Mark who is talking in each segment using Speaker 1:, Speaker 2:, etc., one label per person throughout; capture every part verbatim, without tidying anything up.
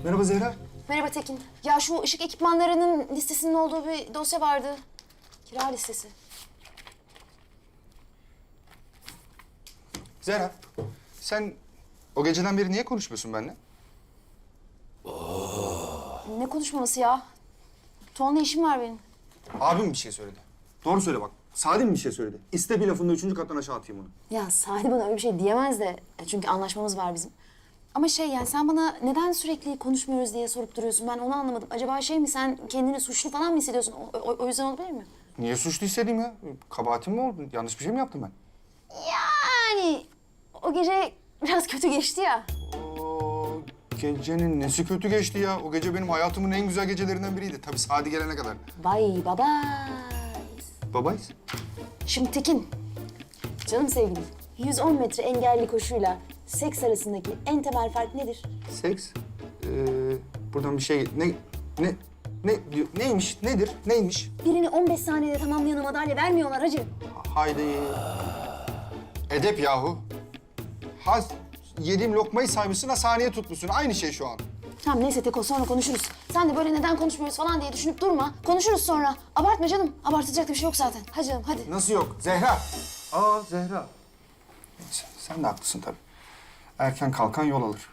Speaker 1: Merhaba Zehra.
Speaker 2: Merhaba Tekin. Ya şu ışık ekipmanlarının listesinin olduğu bir dosya vardı. Kira listesi.
Speaker 1: Zehra, sen o geceden beri niye konuşmuyorsun benimle?
Speaker 2: Ne konuşmaması ya? Tuğan'la işim var benim.
Speaker 1: Abim bir şey söyledi. Doğru söyle bak. Sadim bir şey söyledi. İste bir lafında üçüncü kattan aşağı atayım onu.
Speaker 2: Ya Sadi bana öyle bir şey diyemez de. Çünkü anlaşmamız var bizim. Ama şey yani sen bana neden sürekli konuşmuyoruz diye sorup duruyorsun. Ben onu anlamadım. Acaba şey mi sen kendini suçlu falan mı hissediyorsun? O, o, o yüzden olabilir mi?
Speaker 1: Niye suçlu hissedeyim ya? Kabahatim mi oldu? Yanlış bir şey mi yaptım ben?
Speaker 2: Yani o gece biraz kötü geçti ya.
Speaker 1: O gecenin nesi kötü geçti ya? O gece benim hayatımın en güzel gecelerinden biriydi. Tabii Sadi gelene kadar.
Speaker 2: Bay baba.
Speaker 1: Babayız.
Speaker 2: Şimdi Tekin, canım sevgilim, yüz on metre engelli koşuyla seks arasındaki en temel fark nedir?
Speaker 1: Seks. Ee, buradan bir şey... Ne... Ne... Ne diyor? Neymiş? Nedir? Neymiş?
Speaker 2: Birini on beş saniyede tamamlayana madalya vermiyorlar hacı.
Speaker 1: Haydi. Edep yahu. Ha yediğim lokmayı saymışsın, ha saniye tutmuşsun. Aynı şey şu an.
Speaker 2: Tamam neyse Teko sonra konuşuruz. Sen de böyle neden konuşmuyoruz falan diye düşünüp durma. Konuşuruz sonra. Abartma canım. Abartacak da bir şey yok zaten. Hadi canım hadi.
Speaker 1: Nasıl yok? Zehra. Aa Zehra. Neyse, sen de haklısın tabii. Erken kalkan yol alır.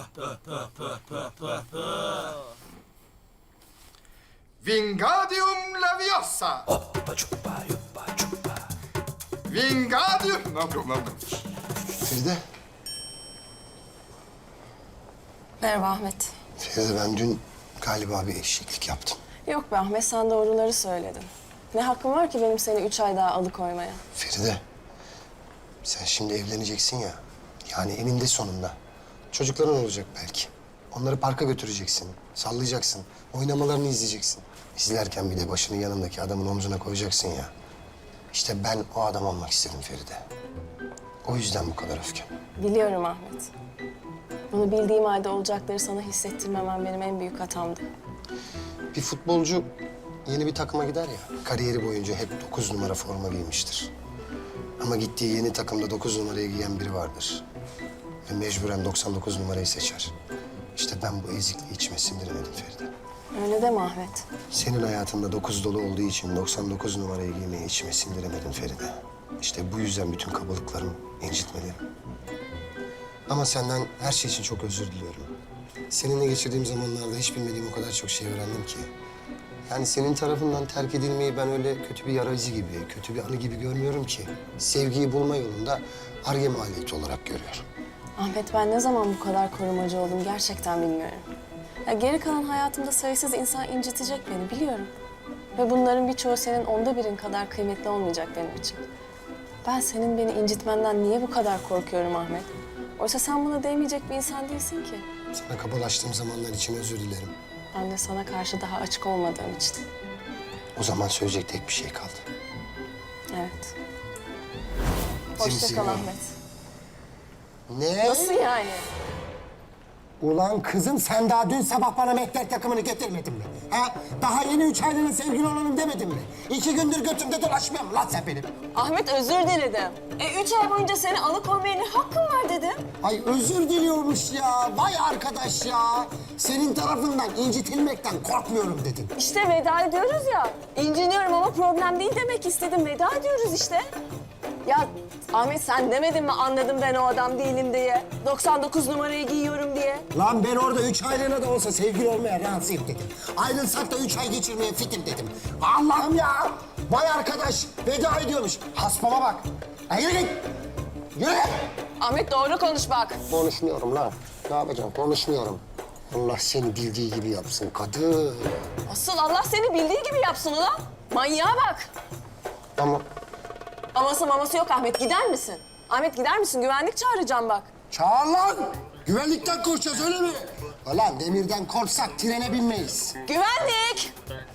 Speaker 1: Vingadium Leviosa. Vingadium... Ne yapıyorum, ne yapıyorum?
Speaker 3: Feride,
Speaker 4: Merhaba Ahmet.
Speaker 3: Feride ben dün galiba bir eşeklik yaptım.
Speaker 4: Yok be Ahmet, sen doğruları söyledin. Ne hakkım var ki benim seni üç ay daha alıkoymaya?
Speaker 3: Feride, sen şimdi evleneceksin ya. Yani eninde sonunda. Çocukların olacak belki. Onları parka götüreceksin, sallayacaksın, oynamalarını izleyeceksin. İzlerken bir de başını yanındaki adamın omzuna koyacaksın ya. İşte ben o adam olmak istedim Feride. O yüzden bu kadar öfkem.
Speaker 4: Biliyorum Ahmet. Bunu bildiğim halde olacakları sana hissettirmemem benim en büyük hatamdı.
Speaker 3: Bir futbolcu yeni bir takıma gider ya, kariyeri boyunca hep dokuz numara forma giymiştir. Ama gittiği yeni takımda dokuz numarayı giyen biri vardır. Ve mecburen doksan dokuz numarayı seçer. İşte ben bu ezikliği içime sindiremedim Feride.
Speaker 4: Öyle deme Ahmet.
Speaker 3: Senin hayatında dokuz dolu olduğu için doksan dokuz numarayı giymeyi içime sindiremedim Feride. İşte bu yüzden bütün kabalıklarım, incitmelerim. Ama senden her şey için çok özür diliyorum. Seninle geçirdiğim zamanlarda hiç bilmediğim o kadar çok şey öğrendim ki. Yani senin tarafından terk edilmeyi ben öyle kötü bir yara izi gibi, kötü bir anı gibi görmüyorum ki. Sevgiyi bulma yolunda Ar-Ge maliyeti olarak görüyorum.
Speaker 4: Ahmet, ben ne zaman bu kadar korumacı oldum gerçekten bilmiyorum. Ya geri kalan hayatımda sayısız insan incitecek beni biliyorum. Ve bunların birçoğu senin onda birin kadar kıymetli olmayacak benim için. Ben senin beni incitmenden niye bu kadar korkuyorum Ahmet? Oysa sen buna değmeyecek bir insan değilsin ki.
Speaker 3: Sana kabalaştığım zamanlar için özür dilerim.
Speaker 4: Ben de sana karşı daha açık olmadığım için.
Speaker 3: O zaman söyleyecek tek bir şey kaldı.
Speaker 4: Evet. Hoşça
Speaker 3: Zimzim.
Speaker 4: kal Ahmet.
Speaker 3: Ne?
Speaker 4: Nasıl yani?
Speaker 5: Ulan kızım sen daha dün sabah bana mehter takımını getirmedin mi? Ha? Daha yeni üç aylığına sevgili olalım demedin mi? İki gündür götümde dolaşmıyor mu lan sen benim?
Speaker 4: Ahmet, özür diledim. E üç ay boyunca seni alıkoymaya ne hakkım var dedim.
Speaker 5: Ay özür diliyormuş ya. Vay arkadaş ya. Senin tarafından incitilmekten korkmuyorum dedin.
Speaker 4: İşte veda ediyoruz ya. İnciniyorum ama problem değil demek istedim. Veda ediyoruz işte. Ya Ahmet, sen demedin mi anladım ben o adam değilim diye? doksan dokuz numarayı giyiyorum diye.
Speaker 5: Lan ben orada üç aylığına da olsa sevgili olmaya razıyım dedim. Ayrılsak da üç ay geçirmeye fitim dedim. Allah'ım ya. Vay arkadaş veda ediyormuş. Haspama bak. Ay yürü git. Yürü git.
Speaker 4: Ahmet, doğru konuş bak.
Speaker 3: Konuşmuyorum lan. Ne yapacağım? Konuşmuyorum. Allah seni bildiği gibi yapsın kadın.
Speaker 4: Asıl Allah seni bildiği gibi yapsın ulan. Manyağa bak.
Speaker 3: Ama
Speaker 4: Aması maması yok Ahmet, gider misin? Ahmet gider misin? Güvenlik çağıracağım bak.
Speaker 5: Çağır lan. Güvenlikten korkacağız öyle mi? Ulan demirden korksak trene binmeyiz.
Speaker 4: Güvenlik!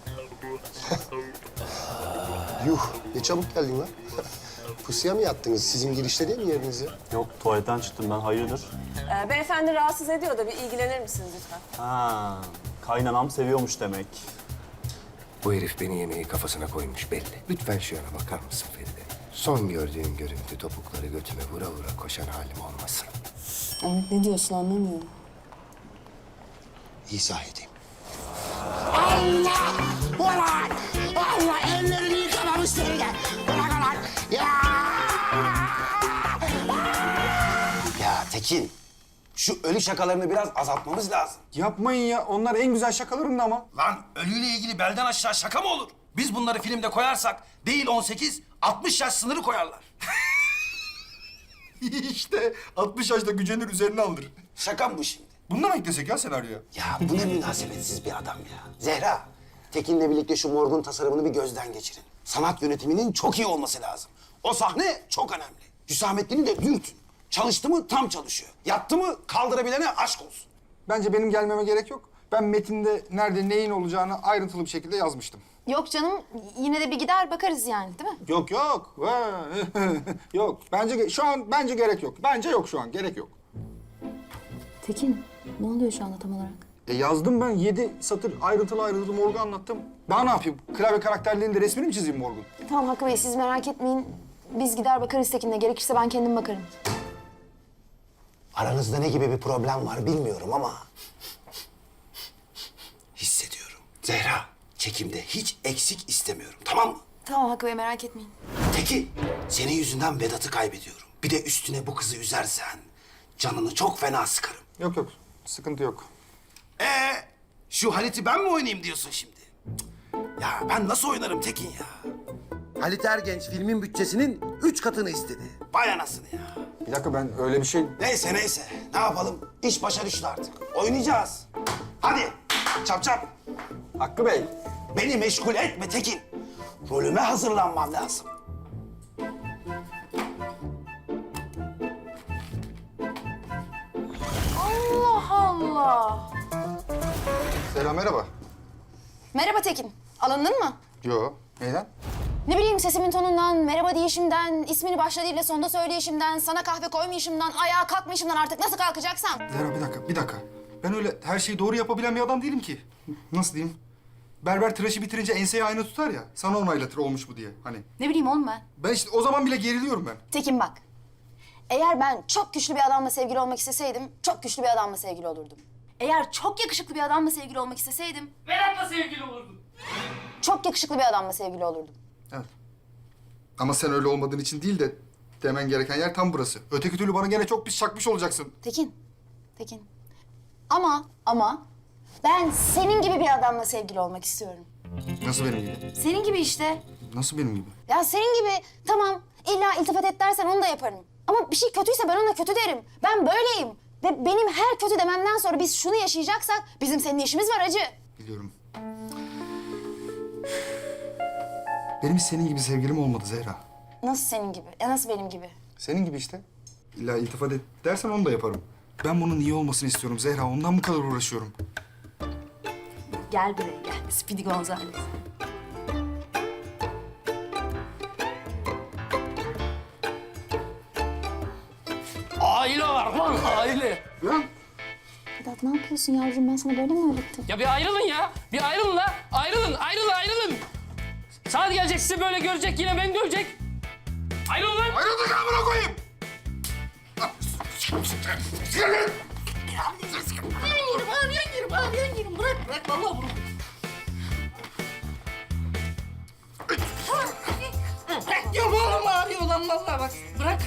Speaker 3: yuh ne çabuk geldin lan. Pusuya mı yattınız? Sizin girişte değil mi yeriniz ya?
Speaker 6: Yok, tuvaletten çıktım ben. Hayırdır?
Speaker 4: Ee, beyefendi rahatsız ediyor da bir ilgilenir misiniz lütfen?
Speaker 6: Ha, kaynanam seviyormuş demek.
Speaker 3: Bu herif beni yemeği kafasına koymuş belli. Lütfen şu yana bakar mısın Feride? Son gördüğün görüntü topukları götüme vura vura koşan halim olmasın.
Speaker 4: Ahmet, ne diyorsun anlamıyorum.
Speaker 5: izah edeyim. Allah! Ulan! Allah ellerini yıkamamış Feride. Ulan ulan! Ya!
Speaker 7: Ya Tekin, şu ölü şakalarını biraz azaltmamız lazım.
Speaker 1: Yapmayın ya. Onlar en güzel şakalarım da ama.
Speaker 8: Lan ölüyle ilgili belden aşağı şaka mı olur? Biz bunları filmde koyarsak değil on sekiz, altmış yaş sınırı koyarlar.
Speaker 1: İşte altmış yaşta gücenir üzerine alır.
Speaker 7: Şaka mı bu şimdi?
Speaker 1: Bundan mı eklesek ya senaryoya?
Speaker 7: Ya bu ne münasebetsiz bir adam ya. Zehra, Tekin'le birlikte şu morgun tasarımını bir gözden geçirin. Sanat yönetiminin çok iyi olması lazım. O sahne çok önemli. Hüsamettin'i de dürtün. Çalıştı mı tam çalışıyor. Yattı mı kaldırabilene aşk olsun.
Speaker 1: Bence benim gelmeme gerek yok. Ben metinde nerede neyin olacağını ayrıntılı bir şekilde yazmıştım.
Speaker 2: Yok canım, yine de bir gider bakarız yani, değil mi?
Speaker 1: Yok yok. Yok. Bence ge- şu an bence gerek yok. Bence yok şu an. Gerek yok.
Speaker 2: Tekin, ne oluyor şu anda tam olarak?
Speaker 1: E yazdım ben. Yedi satır ayrıntılı ayrıntılı morgu anlattım. Daha ne yapayım? Klavye karakterlerinin de resmini mi çizeyim morgun?
Speaker 2: Tamam Hakkı Bey, siz merak etmeyin. Biz gider bakarız Tekin'le. Gerekirse ben kendim bakarım.
Speaker 7: Aranızda ne gibi bir problem var bilmiyorum ama... hissediyorum. Zehra, çekimde hiç eksik istemiyorum, tamam mı?
Speaker 2: Tamam Hakkı Bey, merak etmeyin.
Speaker 7: Tekin, senin yüzünden Vedat'ı kaybediyorum. Bir de üstüne bu kızı üzersen canını çok fena sıkarım.
Speaker 1: Yok yok. Sıkıntı yok.
Speaker 8: Ee, şu Halit'i ben mi oynayayım diyorsun şimdi? Cık. Ya ben nasıl oynarım Tekin ya?
Speaker 7: Halit Ergenç filmin bütçesinin üç katını istedi.
Speaker 8: Vay anasını ya.
Speaker 1: Bir dakika, ben öyle bir şey...
Speaker 7: Neyse neyse, ne yapalım? İş başa düştü artık. Oynayacağız. Hadi, çap çap.
Speaker 1: Hakkı Bey.
Speaker 7: Beni meşgul etme Tekin. Rolüme hazırlanmam lazım.
Speaker 2: Allah Allah!
Speaker 1: Selam, merhaba.
Speaker 2: Merhaba Tekin. Alındın mı?
Speaker 1: Yo. Neyden?
Speaker 2: Ne bileyim, sesimin tonundan, merhaba deyişimden, ismini başladığıyla sonda söyleyişimden, sana kahve koymayışımdan, ayağa kalkmayışımdan, artık nasıl kalkacaksam.
Speaker 1: Zehra bir dakika, bir dakika. Ben öyle her şeyi doğru yapabilen bir adam değilim ki. Nasıl diyeyim? Berber tıraşı bitirince enseyi aynı tutar ya. Sana onaylatır olmuş bu diye hani.
Speaker 2: Ne bileyim oğlum ben.
Speaker 1: Ben işte o zaman bile geriliyorum ben.
Speaker 2: Tekin bak. Eğer ben çok güçlü bir adamla sevgili olmak isteseydim, çok güçlü bir adamla sevgili olurdum. Eğer çok yakışıklı bir adamla sevgili olmak isteseydim,
Speaker 9: Vedat'la sevgili olurdun.
Speaker 2: çok yakışıklı bir adamla sevgili olurdum.
Speaker 1: Evet. Ama sen öyle olmadığın için değil de demen gereken yer tam burası. Öteki türlü bana gene çok pis çakmış olacaksın.
Speaker 2: Tekin, Tekin. Ama, ama ben senin gibi bir adamla sevgili olmak istiyorum.
Speaker 1: Nasıl benim gibi?
Speaker 2: Senin gibi işte.
Speaker 1: Nasıl benim gibi?
Speaker 2: Ya senin gibi tamam, illa iltifat et dersen onu da yaparım. Ama bir şey kötüyse ben ona kötü derim. Ben böyleyim. Ve benim her kötü dememden sonra biz şunu yaşayacaksak bizim seninle işimiz var acı.
Speaker 1: Biliyorum. Benim hiç senin gibi sevgilim olmadı Zehra.
Speaker 2: Nasıl senin gibi? E nasıl benim gibi?
Speaker 1: Senin gibi işte. İlla iltifat et dersen onu da yaparım. Ben bunun iyi olmasını istiyorum Zehra. Ondan bu kadar uğraşıyorum.
Speaker 2: Gel buraya gel. Speedy Gonzales.
Speaker 9: Aile var lan aile.
Speaker 1: Lan!
Speaker 2: Vedat ne yapıyorsun yavrum? Ben sana böyle mi öğrettim?
Speaker 9: Ya bir ayrılın ya. Bir ayrılın la. Ayrılın, ayrılın, ayrılın. Saat gelecek sizi böyle görecek, yine beni dövecek. Ayrılın lan.
Speaker 1: Ayrıldık amına koyayım!
Speaker 9: Yerim, ağrıyan yerim, ağrıyan yerim. Bırak, bırak. Vallahi bunu. Bırak diyorum oğlum, ağrıyor lan vallahi bak. Bırak.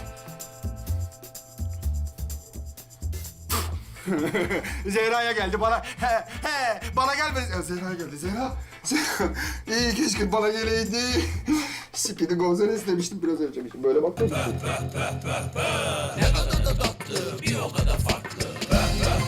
Speaker 1: Zehra'ya geldi bana. He he bana gelmedi. Ya Zehra'ya geldi. Zehra. Zehra. İyi keşke bana geleydi. Speedy Gonzales demiştim biraz önce. Böyle bak.